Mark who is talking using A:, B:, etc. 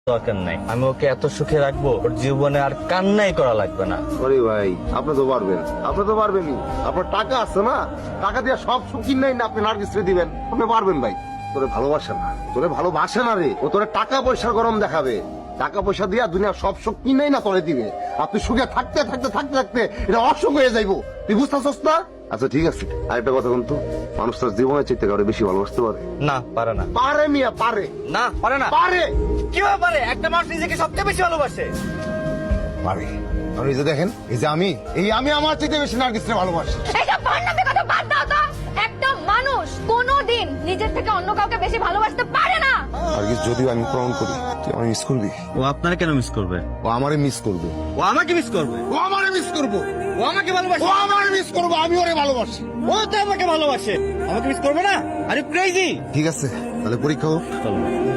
A: দরকার নাই, আমি ওকে এত সুখে রাখবো ওর জীবনে আর কান্নাই করা লাগবে না।
B: আরে ভাই আপনি তো পারবেন, আপনি তো পারবেনই। আপনার টাকা আছে না, টাকা দিয়ে সব সুখ কিনাই না আপনি নার্গিসরে দিবেন, আপনি পারবেন ভাই। তোরে ভালোবাসে না, তোরে ভালোবাসে না রে, ও তোরে টাকা পয়সার গরম দেখাবে। টাকা পয়সা দিয়া দুনিয়া সব সুখ কিনাই না তোরে দিবে। আপনি সুখে থাকতে থাকতে থাকতে থাকতে এটা অসুখ হয়ে যাইবো, তুই বুঝতেছস না? আচ্ছা ঠিক আছে, আরেকটা কথা বলতো, মানুষ তার জীবনের চাইতে কারো বেশি ভালোবাসতে পারে?
A: না, পারে না।
B: পারে মিয়া, পারে।
A: না, পারে না।
B: পারে
A: কিভাবে পারে? একটা মানুষ নিজেকে সবচেয়ে বেশি ভালোবাসে।
B: পারে। আর এই যে দেখেন, এই যে আমি আমার চাইতে বেশি নার্গিসরে ভালোবাসি।
C: এইসব ভণ্ডামি কথা বাদ দাও তো। একটা মানুষ কোনোদিন নিজের থেকে অন্য কাউকে বেশি ভালোবাসতে পারে না।
B: নার্গিস, যদিও আমি প্রমাণ করি, তুই আমায় মিস করবি।
A: ও আপনারা কেন মিস করবে?
B: ও আমারে মিস করবে।
A: ও আমাকে মিস করবে।
B: ও আমারে মিস করবো।
A: ও আমাকে ভালোবাসে।
B: ও আমারে মিস করবো, আমি ওরে ভালোবাসি।
A: ও তো আমাকে ভালোবাসে, আমাকে মিস করবে না? আরে ক্রেজি।
B: ঠিক আছে, তাহলে পরীক্ষা হোক।